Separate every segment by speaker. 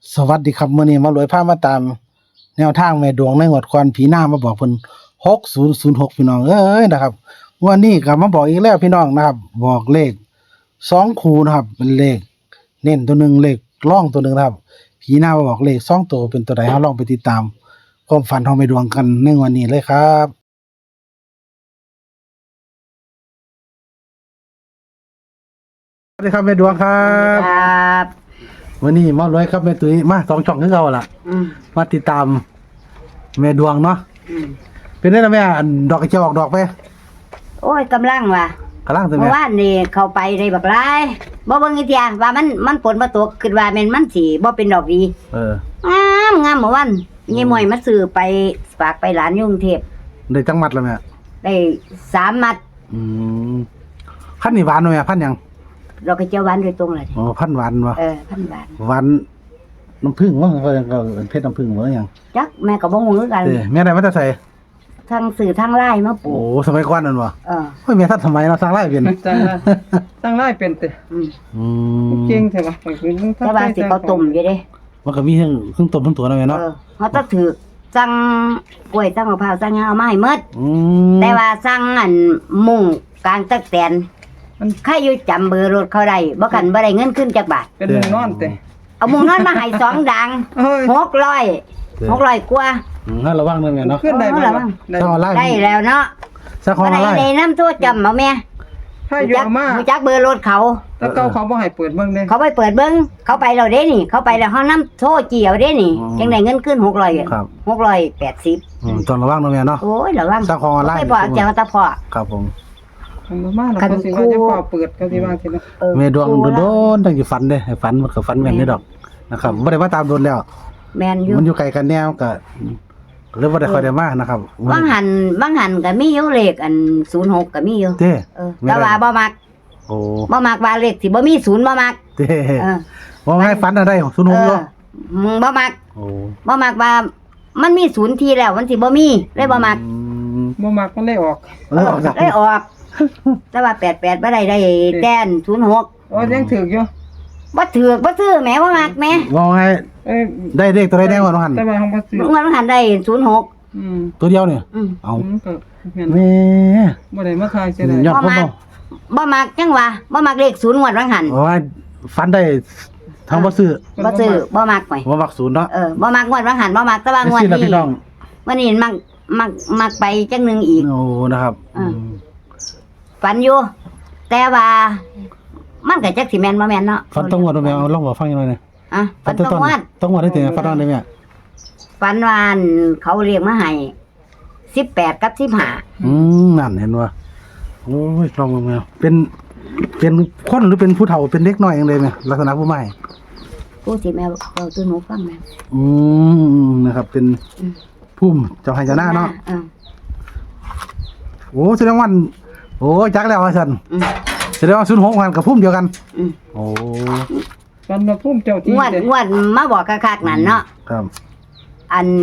Speaker 1: สวัสดีครับมื้อนี้มารวยพามาตามแนวทางแม่ดวงในงวดก่อนผีหน้ามาบอกเพิ่น6006พี่น้องเอ้ยนะครับงวดนี้ก็มาบอกอีกแล้วพี่น้องนะครับบอกเลข2คู่นะครับเป็นเลขเน้นตัวหนึงเลขร่องตัวหนึงนะครับผีหน้ามาบอกเลข2ตัวเป็นตัวใดเฮาลองไปติดตามความฝันของแม่ดวงกันในวันนี้เลยครับสวัสดีครับแม่ดวงครับ
Speaker 2: ครับ
Speaker 1: วันนี้มารวยครับแม่ตุ้ยมา2ช่องคือเก่าล่ะมาติดตามแม่ดวงเนาะเป็นได้แล้วแม่อันดอกกระเจียวออกดอกไป
Speaker 2: โอ้ยกำลังว่ะ
Speaker 1: กำลังสิ
Speaker 2: เมื่
Speaker 1: แม่
Speaker 2: อวานนี่เข้าไปได้บักหลายบ่เบิ่งอีเทียว่ามันฝนบ่ตกคิดว่าแม่นมันสิบ่เป็นดอกดีงามเมื่อวานยายมวยมาซื้อไปฝากไปหลานอยู่กรุงเทพ
Speaker 1: ได้จังมัดแล้วแม่
Speaker 2: ได้3มัด
Speaker 1: มพันนี่หวานบ่แม่พันหยัง
Speaker 2: เราก็เจียวหวานโดยตรงเลย
Speaker 1: อ๋อพันหวานบ่
Speaker 2: พันบาท
Speaker 1: หวานน้ำผึ้งว่าก็เพชรน้ำผึ้งบ่หยัง
Speaker 2: จักแม่ก็บ่ฮู้คือกัน
Speaker 1: แม่ได้มาแต่ใส่
Speaker 2: ทั้งสื่อทั้งไลน์มาปลู
Speaker 1: โอ้
Speaker 2: ก
Speaker 1: สมัยก่อนนั่นบ่
Speaker 2: เออ
Speaker 1: โอ้ยแม่ทันสมัยเนาะสร้างไร่เป็น
Speaker 3: ตั้งไล่เป็นแต่
Speaker 2: อืม
Speaker 1: อืม
Speaker 3: เก่งใช่ปะมันคือมัน
Speaker 2: แต่ว่าสิเขาต้มอยู่เด้
Speaker 1: มันก็มีเครื่องต้มทั้งตัวนะแม่เนาะ
Speaker 2: เฮาต้องถือสั่งกล้วยสั่งมะพร้าวสั่งหยังเอามาให้หมด
Speaker 1: ม
Speaker 2: แต่ว่าสั่งอันมุ่งกลางตักแตนมันใครอยู่จำเบอร์รถเขาได้บ่คันบ่ได้เงินขึ้นจักบาท
Speaker 3: เป็นมุงนอนแต่
Speaker 2: เอามุงนอนมาให้2ดัง
Speaker 3: เฮ้ย
Speaker 2: 600กว่า
Speaker 1: งั้นระวังเด้อแม่เนาะ
Speaker 3: ขึ้นได้บ่
Speaker 2: เอาล่ะ
Speaker 3: ได้
Speaker 1: สร้างออนไลน์
Speaker 2: ได้แล้วเนาะ
Speaker 1: สร้างของอ
Speaker 2: บ่
Speaker 1: อนไล
Speaker 2: ได้
Speaker 1: น์
Speaker 2: ได้นำโทรจำเอาแม่
Speaker 3: ถ้าอยู่เอามา
Speaker 2: รู้จักเบอร์รถเขา
Speaker 3: แล้วเก่าเขาบ่ให้เปิดเบิ่งเด้
Speaker 2: เขาไปเปิดเบิ่งเขาไปแล้วเด้นี่ เขาไปแล้วเฮานำโทรเจียวเด้นี่จังได้เงินขึ้น600
Speaker 1: ครับ
Speaker 2: 680
Speaker 1: ต้องระวังเด้อแม่เนาะ
Speaker 2: โอ้ยระวัง
Speaker 1: สร้างของออนไลน์
Speaker 2: ไปบอกเจ้าตาพ่อ
Speaker 1: ครับผม
Speaker 3: มันบ่มาแล้วเขาสิว่าจะเฝ้าเปิดเขาสิว่าสิเนาะ
Speaker 1: แม่ดวงโดนตั้งอยู่ฝันเด้ให้ฝันมันก็ฝันแม่นได้ดอกนะครับบ่ได้มาตามโดนแล้ว
Speaker 2: แม่นอยู่
Speaker 1: มันอยู่ไกลกันแนวก็เลยบ่ได้ค่อยได้มานะครับ
Speaker 2: บางหันก็มีอยู่เลขอัน06ก็มีอยู่
Speaker 1: เด้
Speaker 2: แต่ว่าบ่มัก
Speaker 1: โอ้
Speaker 2: บ่มักว่าเลขสิบ่มี0บ่มัก
Speaker 1: เด้
Speaker 2: เออ
Speaker 1: ว่าให้ฝันอะไร06
Speaker 2: เอ
Speaker 1: เนาะ
Speaker 2: อมึงบ่มัก
Speaker 1: โอ้
Speaker 2: บ่มักว่ามันมี0ทีแล้วมันสิบ่มีเลยบ่มัก
Speaker 3: บ่มักมันได้ออก
Speaker 1: เลยออกจาก
Speaker 2: เลยออก แต่ว่า88บ่ได้แต้น06
Speaker 3: โอ้ยังถึกอยู่
Speaker 2: บ่ถือกบ่ซื้อแหมบ่มักแหม
Speaker 1: ว่าให้
Speaker 3: เอ้ย
Speaker 1: ได้เลขตัวใดแน่ว่าน้องหัน
Speaker 3: แต่ว่าเฮาบ่ซื้อ
Speaker 2: มันหันได้06
Speaker 1: ตัวเดียวเนี่ย
Speaker 2: อืม
Speaker 1: เอา
Speaker 3: ก็แม่น
Speaker 1: แม่
Speaker 3: บ่ได้มาทายเสียได้
Speaker 1: ยอดพ่อ
Speaker 2: บ่มักจังว่าบ่มักเลข0งวดว่าหัน
Speaker 1: ว่าฝันได้ทั้งบ่ซื้อ
Speaker 2: บ่ซื้อบ่มักไว้
Speaker 1: บ่มักศูนย์เนาะ
Speaker 2: บ่มักงวดว่าหันบ่มักแต่ว่างวด
Speaker 1: สิล่ะ
Speaker 2: นี้
Speaker 1: พี่น้อง
Speaker 2: วันนี้มักไปจังหนึงอีก
Speaker 1: โอ้นะครับ
Speaker 2: ฝันอยู่แต่ว่ามันก็จักสิแม่นบ่แม่นเนาะ
Speaker 1: ฝันต้องงวดบ่แม่เอาลองบอกฟังหน่อยนะ
Speaker 2: ฝันต้องงวด
Speaker 1: ต้องงวดได้ถึงฝันได้แม่
Speaker 2: ฝันว่าเขาเรียกมาให้18กับ15
Speaker 1: นั่นเห็นว่าโอ้ยลองมาแมวเป็นคนหรือเป็นผู้เฒ่าเป็นเด็กน้อยอย่างเลยไหมลักษณะผู้ใหม่
Speaker 2: ผู้สิแม่เว้าตัวหนูฟังแม่
Speaker 1: นะครับ เป็นพุ่มเจ้าให้เจ้าหน้าเนาะ
Speaker 2: เออ
Speaker 1: โอ้แสดงว่าโอ้จักแล้วว่าซั่น
Speaker 2: อืม
Speaker 1: แสดงว่า06กันกับพุ่มเดียวกัน
Speaker 2: อืม
Speaker 1: โอ้
Speaker 3: มันมาพุ่มเจ้าที่
Speaker 2: งวด
Speaker 3: เด้
Speaker 2: งวดมาบอกคักๆนั่นเนาะ
Speaker 1: ครับ
Speaker 2: อัน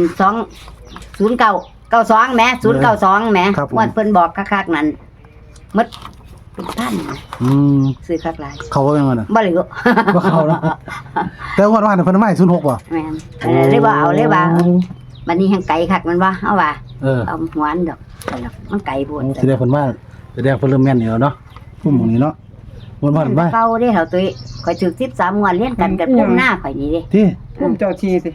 Speaker 2: 20992แหม092แหมงวดเพิ่นบอกคักๆนั่นหมดเป็นพันนะ
Speaker 1: อืม
Speaker 2: ซื้อคักหลาย
Speaker 1: เขาว่ายังไงน่ะ
Speaker 2: บ่เหลือ
Speaker 1: บ่เขาเนาะแต่ว่าเพิ่นไม่06บ่
Speaker 2: แม่นเลยบ่เอาเลยว่าบัดนี้แห่งไก่คักมันว่าเอาว่า เอาหัวอันดอกมันไก่โพด
Speaker 1: แสดงเพิ่นว่าแสดงเพิ่นเริ่มแม่นอยู่เนาะพุ่มหม้องนี้เนาะวนมาบ้าน
Speaker 2: เก่าเด้เฮาตุ้ยข่อยถูก13งวดเรียนกันกับพุ่มหน้าข่อยนี่เด้
Speaker 1: ที่
Speaker 3: พุ่มเจ้าที่สิ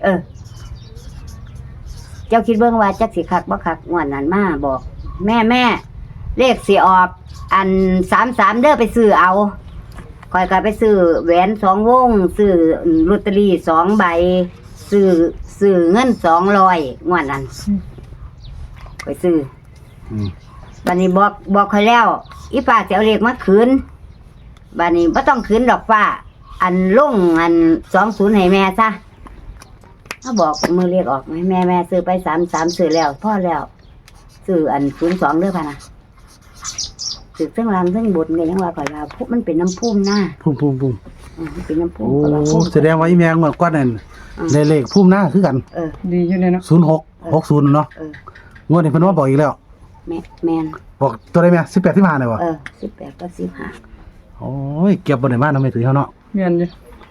Speaker 2: เจ้าคิดเบิ่งว่าจักสิคักบ่คักงวดนั้นมาบอก แม่เลขสิออกอัน33เด้อไปซื้อเอาข่อยก็ไปซื้อแหวน2วงซื้อลอตเตอรี่2ใบซื้อเงิน200งวดนั้นข่อยซื้อ บัดนี้บอกข่อยแล้วอีป้าสิเอาเลขมาคืนบัดนี้บ่ต้องคืนดอกป้าอันลงอัน20ให้แม่ซะเขาบอกมือเลขออกไหมแม่ซื้อไป33ซื้อแล้วพอแล้วซื้ออัน02เด้อพ่ะนะซื้อเทั้งล่างเทั้งบนก็ยังว่าข่อยว่ามันเป็นน้ำพุ่มหน้า
Speaker 1: พุ่ม
Speaker 2: มันเป็นน้ำพุ่ม
Speaker 1: โอ้
Speaker 2: ข่อยว่าพุ่ม
Speaker 1: แสดงว่าอีแมงเมื่อก่อนนั่นได้เลขพุ่มหน้าคือกัน
Speaker 3: ดีอยู่เลยเนาะ
Speaker 1: 0660เนาะงวดนี้เพิ่นว่าบอกอีกแล้ว
Speaker 2: แม่น
Speaker 1: บอกตัวใดแม่18 15ได้บ่
Speaker 2: 18กับ15
Speaker 1: โอ้ยเก็บบ่ได้มาทำไมถือเฮาเนาะ
Speaker 3: แม่นอยู่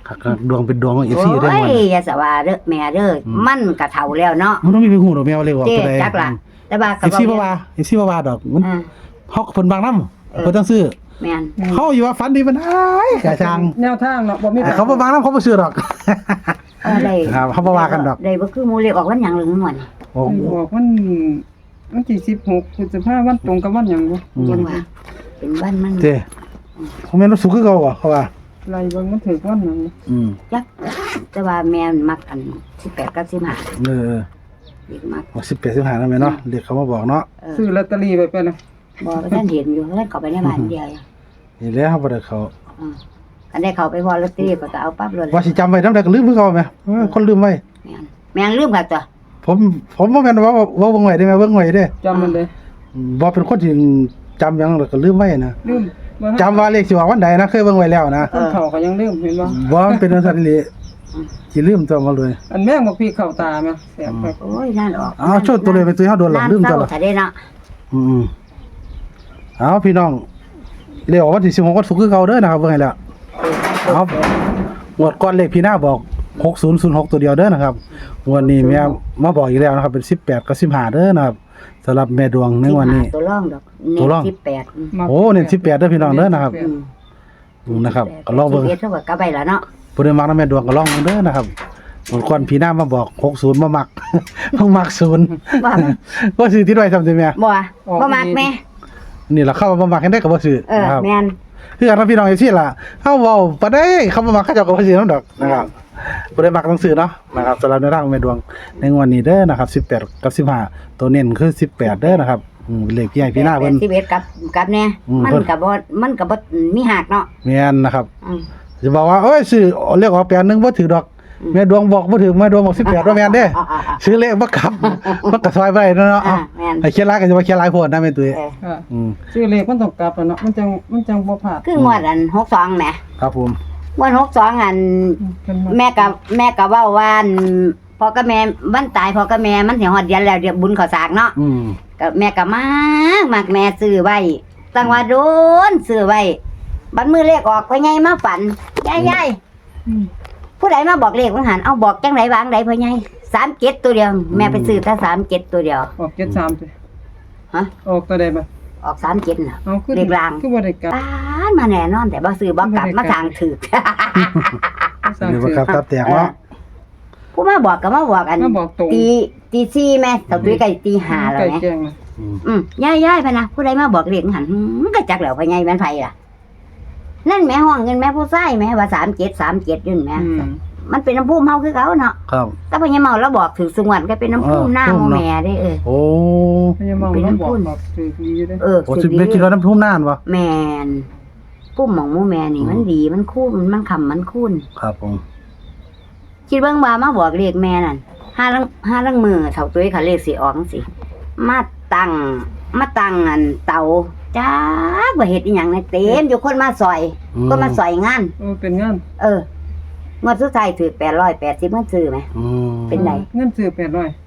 Speaker 1: ครับดวงเป็นดวงของFC ได้
Speaker 2: โอ้
Speaker 1: หม
Speaker 2: ย
Speaker 1: ด
Speaker 2: อย่าสว่าเด้อแม่เด้อมันก็เฒ่าแล้วเนาะ
Speaker 1: มันต้องมีไปฮู้ดอกแมวเลยว่า
Speaker 2: เจ๊
Speaker 1: ตัวใด
Speaker 2: จักล่ะแต่ว่าก็
Speaker 1: FC บ่ว่า FC บ่ว่าดอกมัน
Speaker 2: อ่า
Speaker 1: เฮาก็เพิ่นบางนำเพิ่นต้องซื้อ
Speaker 2: แม่น
Speaker 1: เฮาอยู่ว่าฝันดีมันอ้ายกะช่าง
Speaker 3: แนวทางเนาะบ่มี
Speaker 1: เขาบ่บางนำเขาบ่ซื้อดอก
Speaker 2: ได้
Speaker 1: ครับเขาบ่ว่ากันดอก
Speaker 2: ได้บ่คือหมู่เลขออกวันหยังหรือม่วน
Speaker 1: โอ้
Speaker 3: บอกมันที่16พฤษภาคมวันตรงกับวันหยังบ่
Speaker 2: จังว่าเป็นวันมัน
Speaker 1: เจ้เขาแม่นว่าสุขคือเก่าบ่เขาว่า
Speaker 3: ไล่เบิ่งมันถึกวันหยัง
Speaker 2: จักแต่ว่าแม่นมักอัน18กับ15
Speaker 1: เออ
Speaker 2: เด็กมัก
Speaker 1: 18 15นั่นแม่เนาะเด็กเขามาบอกเนาะ
Speaker 3: ซื้อลอตเตอรี่ไปนะ
Speaker 2: บ่ว่าท่านเห็นอยู่ท่านเข้าไปในบ้านเดียวอยู่
Speaker 1: นี่แหละเขาบ่ได้เขา
Speaker 2: อันได้เข้าไปบ่ลอตเตอรี่ก็เอาปั๊บเลย
Speaker 1: ว่าสิจำไว้นำได้ก็ลืมคือเก่าแม่คนลืมไว้
Speaker 2: แม่นลืมค่ะตัว
Speaker 1: ผมบ่แม่นว่าเบิ่งไว้ได้แม่เบิ่งไว้เด้
Speaker 3: จำมันเลย
Speaker 1: บ่เป็นคนที่จำหยังแล้วก็ลืมไว้นะ
Speaker 3: ลืมบ่
Speaker 1: จำว่าเลขสิออกวันใดนะเคยเบิ่งไว้แล้วนะ
Speaker 3: คนเฒ่าก็ยังลืมเห็นบ่
Speaker 1: บ่มันเป็นจังซั่นเลยสิลืมตัวมาเลย
Speaker 3: อันแม่งบ่พี่เข้าตาแม่แสบครับ
Speaker 2: โอ้ยนั่นออก
Speaker 1: เอาโชดตัวเลยไปตัวเฮาโดนหลังลืมตัวละ
Speaker 2: ถ้าได้เนาะ
Speaker 1: เอาพี่น้องเรียกว่าวันที่16วันศุกร์คือเก่าเด้อนะครับเบิ่งให้แล้วเอางวดก่อนเลขพี่หน้าบอก6006ตัวเดียวเด้อนะครับงวดนี้แม่มาบอกอีกแล้วนะครับเป็น18กับ15เด้อนะครับสำหรับแม่ดวงในวันนี้
Speaker 2: ตัวร่องดอก
Speaker 1: ตัวร่อง
Speaker 2: 18
Speaker 1: โอ้เน้น18เด้อพี่น้องเด้อนะครับนะครับก็ลองเบิ่ง
Speaker 2: เท่ากับกลับไปแล้วเนาะ
Speaker 1: ผู้ใดมักนำแม่ดวงก็ลองเบิ่งเด้อนะครับงวดก่อนพี่หน้ามาบอก60บ่มัก เพิ่งมัก0
Speaker 2: ว่า
Speaker 1: บ่ซื้อติดไว้ซ้ำติแม่
Speaker 2: บ่บ่มักแม่
Speaker 1: นี่ล่ะเข้าบ่มักให้ได้ก็บ่ซื้อนะครับ
Speaker 2: แม่น
Speaker 1: คือกันพี่น้องจังซี่ล่ะเฮาเว้าบ่ได้เขาบ่มักเขาเจ้าก็บ่ซื้อนำดอกนะครับบ่ได้มักหนังสือเนาะนะครับสำหรับในร่างแม่ดวงในงวดนี้เด้อนะครับ18กับ15ตัวเน้นคือ18เด้อนะครับเลขพี่ให้พี่หน้าเพิ่น
Speaker 2: 11กับแน่มันก็บ่มีหักเนาะ
Speaker 1: แม่นนะครับจะบอกว่าเอ้ยซื้อเลขออก81บ่ถือดอกแม่ดวงบอกบ่ถือแม่ดวงบอก18ว่าแม่นเด้ซื้อเลขบ่กลับมันก็ซอยไปเนาะเอ้า
Speaker 2: แม่น
Speaker 1: ให้เขียนหลายก็จะว่าเขียนหลายโพดนะแม่ตุ้ย
Speaker 3: ค่ะซื้อเลขมันต้องกลับแล้วเนาะมันจังบ่พลาด
Speaker 2: คืองวดอัน62แหม
Speaker 1: ครับผม
Speaker 2: งวด62อันแม่ก็เว้าว่าพ่อกับแม่มันตายพ่อกับแม่มันสิฮอดเดือนแล้วเดี๋ยวบุญเข้าสากเนาะ ก็แม่ก็มากแม่ซื้อไว้ตั้งว่าโดนซื้อไว้บัดมือเลขออกไปไงมาฝันยายผู้ใดมาบอกเลขว่าหันเอาบอกจังไดวางไดพ่อใหญ่37ตัวเดียวแม่ไปซื้อแต่37ตัวเดียว
Speaker 3: ออก73สิ
Speaker 2: ฮะ
Speaker 3: ออกตัวใดบ่
Speaker 2: ออก37น่ะ
Speaker 3: เอาคือ
Speaker 2: เลขราง
Speaker 3: คือบ่ได้กลับ
Speaker 2: ป้านมาแน่นอนแต่บ่ซื้อบ่กลับมาทางถูก
Speaker 3: สร้าง
Speaker 1: เดี๋ยว
Speaker 3: ชื่อ
Speaker 1: ครับตับแตกเนาะ
Speaker 2: ผู้มาบอกก็มาบอกอัน
Speaker 3: มาบอกตรง
Speaker 2: ตี4แม่ตะตุ้ยก็ตี5แล้ว
Speaker 3: ไก่
Speaker 2: แม่
Speaker 3: แจ้งนะ
Speaker 2: ยายพะนะผู้ใดมาบอกเลขหันมันก็จักแล้วพ่อใหญ่แม่นไผล่ะนั่นแม่ห้องเงินแม่ผู้ชายแม่ว่า37ยุ่นแม่ มันเป็นน้ำพุ่มเฮาคือเขาเนาะ
Speaker 1: ครับ
Speaker 2: แต่พอยังเมาแล้วบอกถึงสงวนก็เป็นน้ำพุ่มหน้าโมแม่ได้
Speaker 1: โอ้
Speaker 3: พยาบาลมันบอกถือดีอยู่เด้
Speaker 1: โหสิไม่กินแล้วน้ำทุ่มนานวะ
Speaker 2: แมนพุ่มหมองโมแม่นี่มันดีมันคุ้นมันคำมันคุ้น
Speaker 1: ครับผม
Speaker 2: คิดเบิ่งว่ามาบอกเลขแม่นั่นห้าลังมือเท่าตุ้ยเขาเลขสิออกจังสิมาตั้งอันเตาจ้าว่าเฮ็ดอีหยังในเต็มอยู่คนมาซอยคนมาซอยงาน
Speaker 3: เป็นงาน
Speaker 2: งวดสุดท้ายถือ880มันซื้อไหม เป็นไร
Speaker 3: เงินซื้อ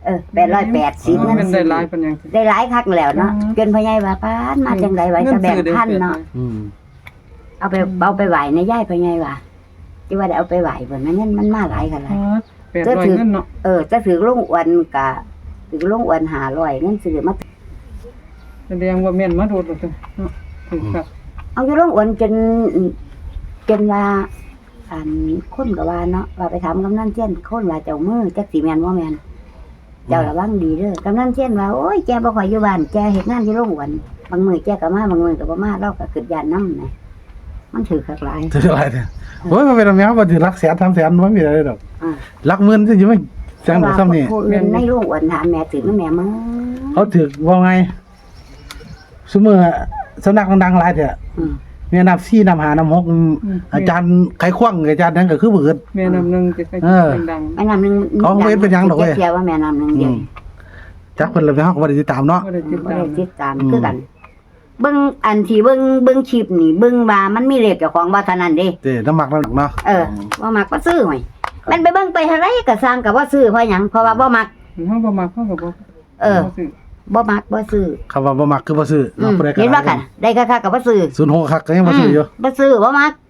Speaker 2: 880
Speaker 3: เงินได้หลายปานหยัง
Speaker 2: ได้หลายคักแล้วเนาะจนพ่อใหญ่ว่าป้านมาจังไดไว้จะแบ่งพันเนาะเอาไปไหวในย่ายพ่อใหญ่ว่าที่ว่าได้เอาไปไหวเพิ่นมันมาหลายกันหลาย
Speaker 3: 800เงินเนาะ
Speaker 2: จะถือลงอวนกะถือลงอวน500เงินซื้อมา
Speaker 3: แสดงว่าแม่นมาโดดแล้วเนาะถูกครับ
Speaker 2: เอาอยู่ลงอวนจนว่าอันคนก็ว่าเนาะว่าไปถามกำนันเช่นคนว่าเจ้ามือจักสิแม่นบ่แม่นเจ้าระวังดีเด้อกำนันเช่นว่าโอ้ยแกบ่ค่อยอยู่บ้านแกเฮ็ดงานอยู่โรงอวนบางมื้อแกก็มาบางมื้อก็บ่มาเราก็คิดย่านนำนะมันถือคักหลาย
Speaker 1: ถืออะไรเนี่ยโอ้ยมันเป็นอะไรครับมันถือรักแสนทำแสนมันไม่มีอะไรหรอกรักหมื่นจะอยู่ไม่แสนหรือซ้ำนี่
Speaker 2: ผู้อื่นในโรงอวนถามแม่ถือแม่มึง
Speaker 1: เขาถือว่าไงสมมติสำนักดังๆหลายเถอะมีนับ4นับ5นับ6อาจารย์ไขคว้างอาจารย์นั้นก็คือเบิด
Speaker 3: แม่นำนึงจะไปดัง
Speaker 2: แม่น้ำนึงเสียว่าแม่น้ำนึงเดียว
Speaker 1: จักเพิ่นเลยไปเฮาก็บ่ได้ติดตามเนาะ
Speaker 3: บ่ได้ติด
Speaker 2: บ่
Speaker 3: ตาม
Speaker 2: ได้ติดตามคือกันเบิ่งอันที่เบิ่งคลิปนี่เบิ่งว่ามันมีเลขเจ้าของบ่เท่านั้นเด้
Speaker 1: เด้น้ำหมักน้ำหนักเนาะ
Speaker 2: ว่ามักบ่ซื้อหอยมันไปเบิ่งไปเท่าไรก็สร้างก็บ่ซื้อเพราะหยังเพราะว่าบ่มัก
Speaker 3: เฮาบ่มักเฮาก็บ่
Speaker 2: บ่มักบ่ซื้อ
Speaker 1: คำว่าบ่มักคือบ่ซื้อเนาะบ่ได้
Speaker 2: เห็นว่ากันได้ค่าก็บ่ซื้อ
Speaker 1: 06คักก็ยังบ่ซื้ออยู่
Speaker 2: บ่ซื้อบ่มัก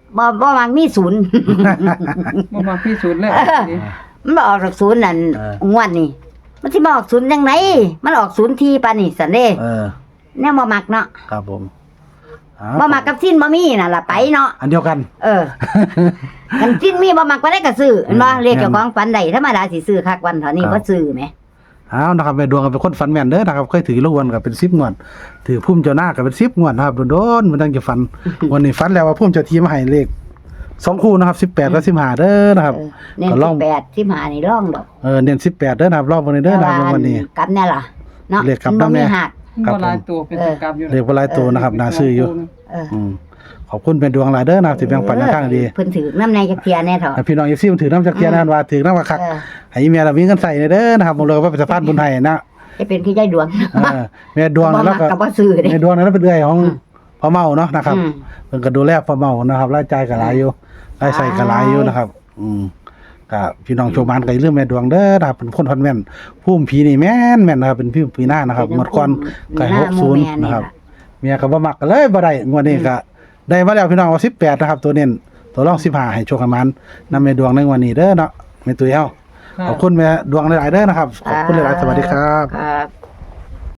Speaker 2: บ่มักมีศูนย์
Speaker 3: บ่มาพิสูจน์แล้วนี่
Speaker 2: มันบ่ออกจากศูนย์นั่นงวดนี่มันสิมาออกศูนย์จังไดมันออกศูนย์ทีปานนี่ซั่นเด้ แนวบ่มักเนาะ
Speaker 1: ครับผม
Speaker 2: บ่มักกับสิ้นบ่มีน่ะล่ะไปเนาะ
Speaker 1: อันเดียวกัน
Speaker 2: กันสิ้นมีบ่มักบ่ได้ก็ซื้อเห็นบ่เลขเจ้าของฝันได้ธรรมดาสิซื้อคักวันเท่านี้บ่ซื้อแหม
Speaker 1: เอานะครับแม่ดวงก็เป็นคนฝันแม่นเด้อนะครับเคยถือลูกวันก็เป็น10งวดถือพุ่มเจ้าหน้าก็เป็น10งวดนะครับโดนๆมันตั้งจะฝัน วันนี้ฝันแล้วว่าพุ่มเจ้าที่มาให้เลข2คู่นะครับ18กับ15เด้อนะครับ
Speaker 2: เน้น
Speaker 1: ก็ลอง
Speaker 2: 18 15นี่ลองดอก
Speaker 1: เน้น18เด้อนะครับรอบวันนี้เด้อนะครับวันนี้
Speaker 2: กลับแน่ล่ะเนาะ
Speaker 1: เลขกลับ
Speaker 2: มันบ่
Speaker 1: นำแน่
Speaker 2: มีหัก
Speaker 1: ครับ
Speaker 3: บ่หลายตัวเป็นตัวกลับอยู่
Speaker 1: เลขบ่หลายตัวนะครับน่าซื้ออยู่
Speaker 2: เออ
Speaker 1: ขอบคุณแม่ดวงหลายเด้อนะครับที่แบ่งปันแนวทางดี
Speaker 2: เพิ่นถือน้ำในจักเทียแน่เถาะ
Speaker 1: ให้พี่น้องFC มันถือน้ำจักเทียนนะครับว่าถือน้ำว่าคัก
Speaker 2: เออ
Speaker 1: ให้อีเมียเรามีเงินใส่เด้อนะครับบ่เลยว่าเป็นสะพานบุญไทยนะ
Speaker 2: ให้เป็นพี่ใจดวง
Speaker 1: แม่ดวง
Speaker 2: บ่
Speaker 1: แล้ว
Speaker 2: มัก
Speaker 1: ก็
Speaker 2: ก็บ่ซื้อเด้
Speaker 1: แม่ดวงนั้นเป็นเอื้อยของพ่อเมาเนาะนะครับ
Speaker 2: อืม
Speaker 1: เพิ่นก็ดูแลพ่อเมานะครับรายจ่ายก็หลายอยู่รายใส่ก็หลายอยู่นะครับก็พี่น้องโชว์มานก็อย่าลืมแม่ดวงเด้อนะครับเป็นคนพันแม่นภูมิผีนี่แม่นนะครับเป็นพี่ปีหน้านะครับหมดก่อนก็60นะครับเมียก็บ่มักก็เลยบ่ได้งวดนี้ก็ได้มาแล้วพี่น้องว่า18นะครับตัวเน้นตัวรอง15ให้โชคให้มันนำแม่ดวงในวันนี้เด้อเนาะแม่ตุ้ยเฮาขอบคุณแม่ดวงหลายๆเด้อนะครับขอบคุณหลายๆสวัสดีครับ
Speaker 2: ครับ